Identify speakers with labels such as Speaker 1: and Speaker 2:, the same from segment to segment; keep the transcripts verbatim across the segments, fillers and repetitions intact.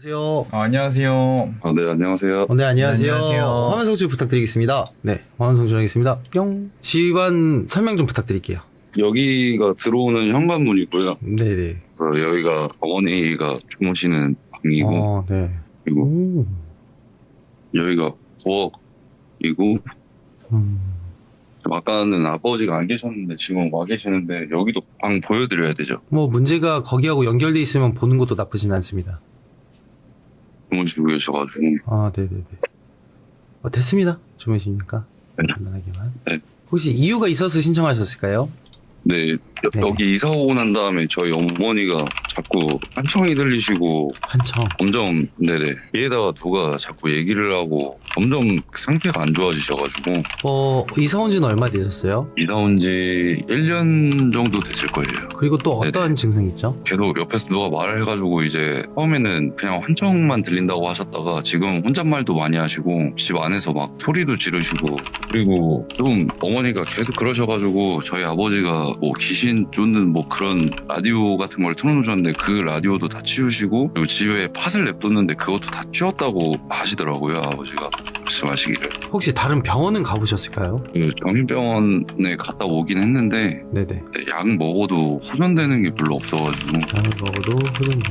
Speaker 1: 여보세요.
Speaker 2: 아, 안녕하세요.
Speaker 3: 아, 네, 안녕하세요.
Speaker 1: 어, 네, 안녕하세요.
Speaker 2: 네, 안녕하세요.
Speaker 1: 화면 송출 부탁드리겠습니다. 네, 화면 송출하겠습니다. 뿅. 집안 설명 좀 부탁드릴게요.
Speaker 3: 여기가 들어오는 현관문이고요.
Speaker 1: 네네.
Speaker 3: 그래서 여기가 어머니가 주무시는 방이고,
Speaker 1: 어, 네.
Speaker 3: 그리고
Speaker 1: 오.
Speaker 3: 여기가 부엌이고,
Speaker 1: 음.
Speaker 3: 아까는 아버지가 안 계셨는데 지금 와 계시는데 여기도 방 보여드려야 되죠.
Speaker 1: 뭐 문제가 거기하고 연결돼 있으면 보는 것도 나쁘진 않습니다.
Speaker 3: 주무시고 계셔가지고.
Speaker 1: 아, 네네네. 어, 됐습니다. 주무시니까.
Speaker 3: 네.
Speaker 1: 간단하게만.
Speaker 3: 네.
Speaker 1: 혹시 이유가 있어서 신청하셨을까요?
Speaker 3: 네, 여-
Speaker 1: 네.
Speaker 3: 여기 이사 오고 난 다음에 저희 어머니가 자꾸 한청이 들리시고
Speaker 1: 한청.
Speaker 3: 점점, 네네. 뒤에다가 누가 자꾸 얘기를 하고 점점 상태가 안 좋아지셔가지고
Speaker 1: 어, 이사 온 지는 얼마 되셨어요?
Speaker 3: 이사 온 지 일 년 정도 됐을 거예요.
Speaker 1: 그리고 또 어떠한 증상이 있죠?
Speaker 3: 계속 옆에서 누가 말을 해가지고 이제 처음에는 그냥 환청만 들린다고 하셨다가 지금 혼잣말도 많이 하시고 집 안에서 막 소리도 지르시고, 그리고 좀 어머니가 계속 그러셔가지고 저희 아버지가 뭐 귀신 쫓는 뭐 그런 라디오 같은 걸 틀어놓으셨는데 그 라디오도 다 치우시고, 그리고 집에 팥을 냅뒀는데 그것도 다 치웠다고 하시더라고요. 아버지가 말씀하시기를.
Speaker 1: 혹시 다른 병원은 가보셨을까요?
Speaker 3: 그 정신병원에 갔다 오긴 했는데
Speaker 1: 네네.
Speaker 3: 약 먹어도 호전되는 게 별로 없어가지고
Speaker 1: 약을 먹어도 흡연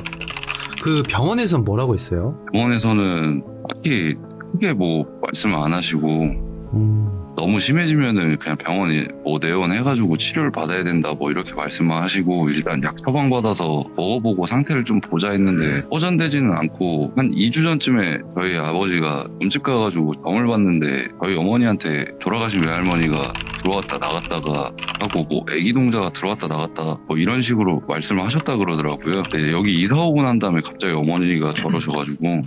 Speaker 1: 그 병원에선 뭐라고 했어요?
Speaker 3: 병원에서는 딱히 크게 뭐 말씀을 안 하시고,
Speaker 1: 음,
Speaker 3: 너무 심해지면은 그냥 병원에 뭐 내원해가지고 치료를 받아야 된다 뭐 이렇게 말씀만 하시고, 일단 약 처방 받아서 먹어보고 상태를 좀 보자 했는데 호전되지는 않고, 한 이 주 전쯤에 저희 아버지가 점집 가가지고 점을 봤는데 저희 어머니한테 돌아가신 외할머니가 들어왔다 나갔다가 하고 뭐 애기 동자가 들어왔다 나갔다 뭐 이런 식으로 말씀을 하셨다 그러더라고요. 근데 여기 이사 오고 난 다음에 갑자기 어머니가 저러셔가지고,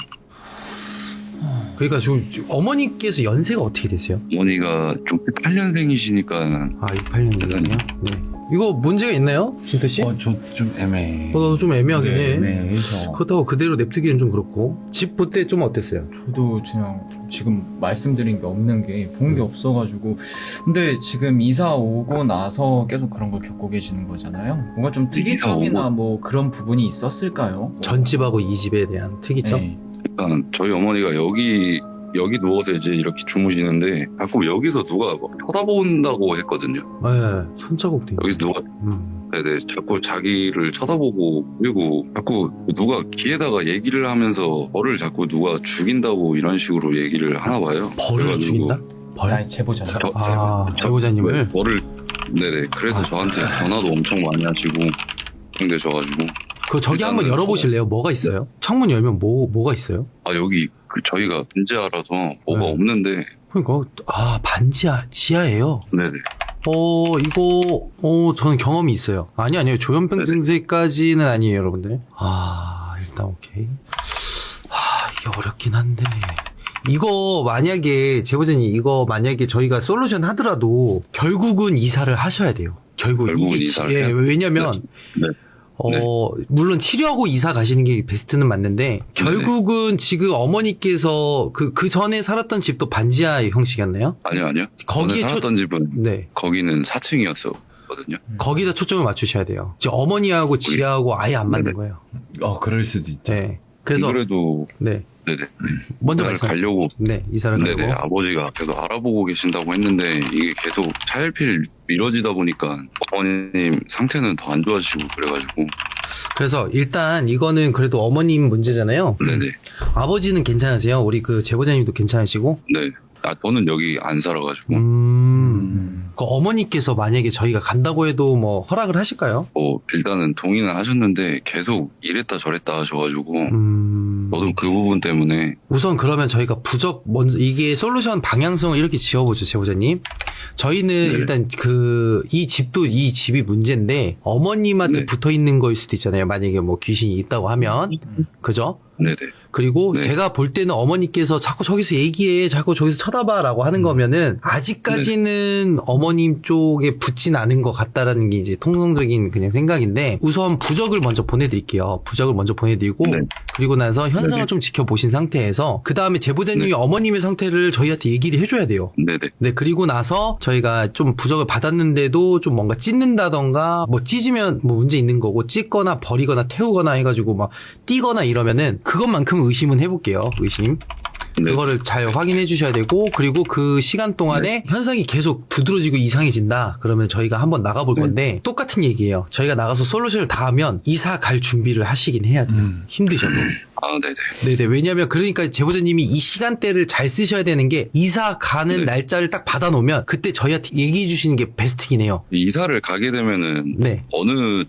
Speaker 1: 그러니까 지금 어머니께서 연세가 어떻게 되세요?
Speaker 3: 어머니가 육십팔 년생이시니까
Speaker 1: 아, 이십팔 년이세요? 네. 이거 문제가 있나요? 진표 씨?
Speaker 2: 어, 저 좀 애매해.
Speaker 1: 어, 나도 좀 애매하긴
Speaker 2: 네,
Speaker 1: 해.
Speaker 2: 애매해서.
Speaker 1: 그렇다고 그대로 냅두기엔 좀 그렇고. 집 볼 때 좀 어땠어요?
Speaker 2: 저도 그냥 지금 말씀드린 게 없는 게 본 게 없어가지고. 근데 지금 이사 오고 나서 계속 그런 걸 겪고 계시는 거잖아요. 뭔가 좀 특이점이나
Speaker 3: 오고.
Speaker 2: 뭐 그런 부분이 있었을까요?
Speaker 1: 전집하고 이 집에 대한 특이점?
Speaker 2: 네.
Speaker 3: 일단 저희 어머니가 여기 여기 누워서 이제 이렇게 주무시는데 자꾸 여기서 누가 막 쳐다본다고 했거든요.
Speaker 1: 네, 손자국도 있네.
Speaker 3: 여기서 누가
Speaker 1: 음.
Speaker 3: 네네 자꾸 자기를 쳐다보고, 그리고 자꾸 누가 귀에다가 얘기를 하면서 벌을 자꾸 누가 죽인다고 이런 식으로 얘기를 하나 봐요.
Speaker 1: 벌을
Speaker 3: 그래가지고
Speaker 1: 죽인다? 벌?
Speaker 2: 아니, 제보자.
Speaker 3: 저-
Speaker 1: 아, 제보자님을?
Speaker 3: 벌을 네네 그래서
Speaker 1: 아.
Speaker 3: 저한테 전화도 엄청 많이 하시고 걱정되셔가지고.
Speaker 1: 그 저기 한번
Speaker 3: 일단은
Speaker 1: 열어보실래요? 뭐가 있어요? 창문 열면 뭐, 뭐가 있어요?
Speaker 3: 아 여기 그 저희가 분지하라서 뭐가
Speaker 1: 네.
Speaker 3: 없는데.
Speaker 1: 그러니까, 아, 반지하, 지하예요?
Speaker 3: 네네.
Speaker 1: 어, 이거, 어, 저는 경험이 있어요. 아니, 아니요. 조현병
Speaker 3: 네네.
Speaker 1: 증세까지는 아니에요, 여러분들. 아, 일단 오케이. 아, 이게 어렵긴 한데. 이거 만약에, 제보자님, 이거 만약에 저희가 솔루션 하더라도 결국은 이사를 하셔야 돼요. 결국
Speaker 3: 결국은
Speaker 1: 이게,
Speaker 3: 이사를
Speaker 1: 예,
Speaker 3: 해야
Speaker 1: 왜냐면,
Speaker 3: 네.
Speaker 1: 어, 물론 치료하고 이사 가시는 게 베스트는 맞는데, 결국은 지금 어머니께서 그, 그 전에 살았던 집도 반지하 형식이었나요?
Speaker 3: 아니요 아니요.
Speaker 1: 거기에
Speaker 3: 저는 살았던 집은
Speaker 1: 네.
Speaker 3: 거기는 사 층이었거든요.
Speaker 1: 거기다 초점을 맞추셔야 돼요. 이제 어머니하고 지하하고 아예 안 맞는
Speaker 3: 네네.
Speaker 1: 거예요.
Speaker 2: 어, 그럴 수도 있죠.
Speaker 1: 네. 그래서
Speaker 3: 그래도
Speaker 1: 네.
Speaker 3: 네네
Speaker 1: 먼저
Speaker 3: 이사를
Speaker 1: 말씀.
Speaker 3: 가려고
Speaker 1: 네, 이사를
Speaker 3: 네네
Speaker 1: 가고.
Speaker 3: 아버지가 계속 알아보고 계신다고 했는데 이게 계속 차일피일 미뤄지다 보니까 어머님 상태는 더 안 좋아지시고 그래가지고.
Speaker 1: 그래서 일단 이거는 그래도 어머님 문제잖아요.
Speaker 3: 네네.
Speaker 1: 아버지는 괜찮으세요? 우리 그 제보자님도 괜찮으시고?
Speaker 3: 네. 아 저는 여기 안 살아가지고
Speaker 1: 음.
Speaker 2: 음.
Speaker 1: 그 어머니께서 만약에 저희가 간다고 해도 뭐 허락을 하실까요?
Speaker 3: 뭐 일단은 동의는 하셨는데 계속 이랬다 저랬다 하셔가지고
Speaker 1: 음.
Speaker 3: 저도 그 부분 때문에.
Speaker 1: 우선 그러면 저희가 부적 먼저 이게 솔루션 방향성을 이렇게 지어보죠, 제보자님. 저희는
Speaker 3: 네.
Speaker 1: 일단 그 이 집도 이 집이 문제인데 어머님한테
Speaker 3: 네.
Speaker 1: 붙어 있는 거일 수도 있잖아요. 만약에 뭐 귀신이 있다고 하면 그죠?
Speaker 3: 네네.
Speaker 1: 그리고
Speaker 3: 네.
Speaker 1: 제가 볼 때는 어머니께서 자꾸 저기서 얘기해, 자꾸 저기서 쳐다봐라고 하는 거면은 아직까지는 어머님 쪽에 붙진 않은 것 같다라는 게 이제 통상적인 그냥 생각인데, 우선 부적을 먼저 보내드릴게요. 부적을 먼저 보내드리고
Speaker 3: 네.
Speaker 1: 그리고 나서 현상을
Speaker 3: 네네.
Speaker 1: 좀 지켜보신 상태에서 그 다음에 제보자님이
Speaker 3: 네.
Speaker 1: 어머님의 상태를 저희한테 얘기를 해줘야 돼요.
Speaker 3: 네네.
Speaker 1: 네, 그리고 나서 저희가 좀 부적을 받았는데도 좀 뭔가 찢는다던가 뭐 찢으면 뭐 문제 있는 거고, 찢거나 버리거나 태우거나 해가지고 막 뛰거나 이러면은 그것만큼 의심은 해볼게요. 의심.
Speaker 3: 네.
Speaker 1: 그거를 잘 확인해 주셔야 되고, 그리고 그 시간 동안에 현상이 계속 두드러지고 이상해진다. 그러면 저희가 한번 나가볼
Speaker 3: 네.
Speaker 1: 건데, 똑같은 얘기예요. 저희가 나가서 솔루션을 다 하면 이사 갈 준비를 하시긴 해야 돼요.
Speaker 2: 음.
Speaker 1: 힘드셔도.
Speaker 3: 아, 네네.
Speaker 1: 네네. 왜냐면 그러니까 제보자님이 이 시간대를 잘 쓰셔야 되는 게, 이사 가는
Speaker 3: 네.
Speaker 1: 날짜를 딱 받아놓으면 그때 저희한테 얘기해 주시는 게 베스트긴 해요.
Speaker 3: 이사를 가게 되면은
Speaker 1: 네.
Speaker 3: 어느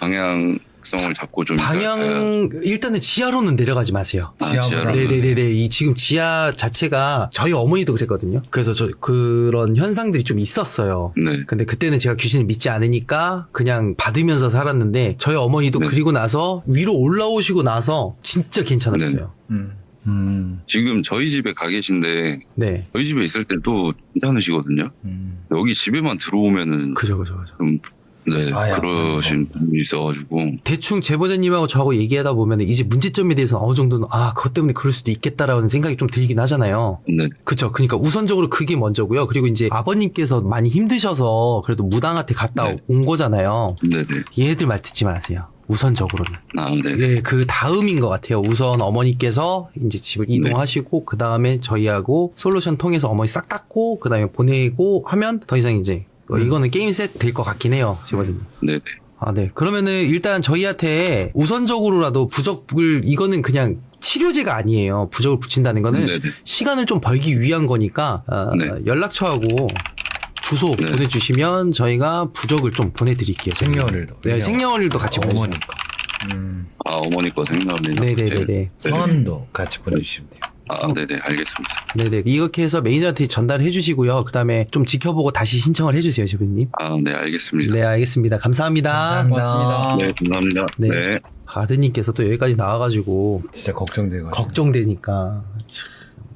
Speaker 3: 방향성을 잡고 좀 이사를 가야-
Speaker 1: 방향, 일단은 지하로는 내려가지 마세요.
Speaker 3: 아,
Speaker 2: 지하로
Speaker 3: 지하로.
Speaker 1: 네네네네. 이 지금 지하 자체가 저희 어머니도 그랬거든요. 그래서 저 그런 현상들이 좀 있었어요.
Speaker 3: 네.
Speaker 1: 근데 그때는 제가 귀신을 믿지 않으니까 그냥 받으면서 살았는데, 저희 어머니도
Speaker 3: 네.
Speaker 1: 그리고 나서 위로 올라오시고 나서 진짜 괜찮았어요.
Speaker 2: 음. 음.
Speaker 3: 지금 저희 집에 가 계신데
Speaker 1: 네.
Speaker 3: 저희 집에 있을 때 또 괜찮으시거든요.
Speaker 2: 음.
Speaker 3: 여기 집에만 들어오면은
Speaker 1: 그죠, 그죠, 그죠.
Speaker 3: 좀 네,
Speaker 2: 아야.
Speaker 3: 그러신 분이 있어가지고
Speaker 1: 대충 제보자님하고 저하고 얘기하다 보면 이제 문제점에 대해서 어느 정도는 아, 그것 때문에 그럴 수도 있겠다라는 생각이 좀 들긴 하잖아요.
Speaker 3: 네.
Speaker 1: 그쵸. 그러니까 우선적으로 그게 먼저고요. 그리고 이제 아버님께서 많이 힘드셔서 그래도 무당한테 갔다
Speaker 3: 네.
Speaker 1: 온 거잖아요.
Speaker 3: 네네.
Speaker 1: 얘들 말 듣지 마세요. 우선적으로는.
Speaker 3: 아, 네.
Speaker 1: 예, 그 다음인 것 같아요. 우선 어머니께서 이제 집을 이동하시고, 그 다음에 저희하고 솔루션 통해서 어머니 싹 닦고, 그 다음에 보내고 하면 더 이상 이제, 어, 이거는 게임 셋 될 것 같긴 해요. 집어님.
Speaker 3: 네네.
Speaker 1: 아, 네. 그러면은 일단 저희한테 우선적으로라도 부적을, 이거는 그냥 치료제가 아니에요. 부적을 붙인다는 거는
Speaker 3: 네네.
Speaker 1: 시간을 좀 벌기 위한 거니까, 어,
Speaker 3: 네.
Speaker 1: 연락처하고 주소
Speaker 3: 네.
Speaker 1: 보내주시면 저희가 부적을 좀 보내드릴게요.
Speaker 2: 생년월일도.
Speaker 1: 네, 생년월일도 같이
Speaker 2: 아,
Speaker 1: 보내주세요.
Speaker 2: 어머니 거. 음.
Speaker 3: 아, 어머니 거 생각나네요.
Speaker 1: 네네네네.
Speaker 2: 성함도 같이 보내주시면 돼요.
Speaker 3: 아, 네네. 알겠습니다.
Speaker 1: 네네. 이렇게 해서 매니저한테 전달해 주시고요. 그 다음에 좀 지켜보고 다시 신청을 해주세요, 제보님.
Speaker 3: 아, 네. 알겠습니다.
Speaker 1: 네, 알겠습니다. 감사합니다.
Speaker 2: 감사합니다.
Speaker 1: 아.
Speaker 3: 네, 감사합니다.
Speaker 1: 네.
Speaker 3: 네.
Speaker 1: 아드님께서 또 여기까지 나와가지고
Speaker 2: 진짜 걱정돼가지고.
Speaker 1: 걱정되니까. 참.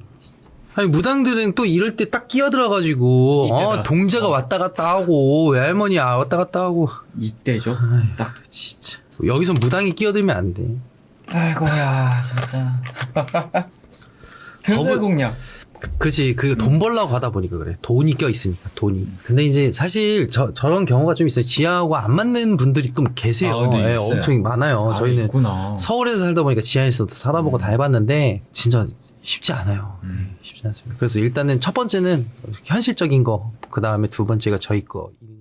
Speaker 1: 아니, 무당들은 또 이럴 때 딱 끼어들어가지고, 어,
Speaker 2: 이때다.
Speaker 1: 동자가 왔다 갔다 하고, 외할머니 아, 왔다 갔다 하고.
Speaker 2: 이때죠.
Speaker 1: 아이,
Speaker 2: 딱.
Speaker 1: 진짜. 여기서 무당이 끼어들면 안 돼.
Speaker 2: 아이고야, 진짜. 등살 공략.
Speaker 1: 그치. 그
Speaker 2: 음.
Speaker 1: 돈 벌려고 하다 보니까 그래. 돈이 껴있으니까, 돈이. 근데 이제 사실 저, 저런 경우가 좀 있어요. 지하하고 안 맞는 분들이 좀 계세요.
Speaker 2: 아, 근데
Speaker 1: 예,
Speaker 2: 있어요.
Speaker 1: 엄청 많아요.
Speaker 2: 아,
Speaker 1: 저희는
Speaker 2: 있구나.
Speaker 1: 서울에서 살다 보니까 지하에서도 살아보고 다 해봤는데, 진짜 쉽지 않아요.
Speaker 2: 음.
Speaker 1: 네, 쉽지 않습니다. 그래서 일단은 첫 번째는 현실적인 거, 그 다음에 두 번째가 저희 거.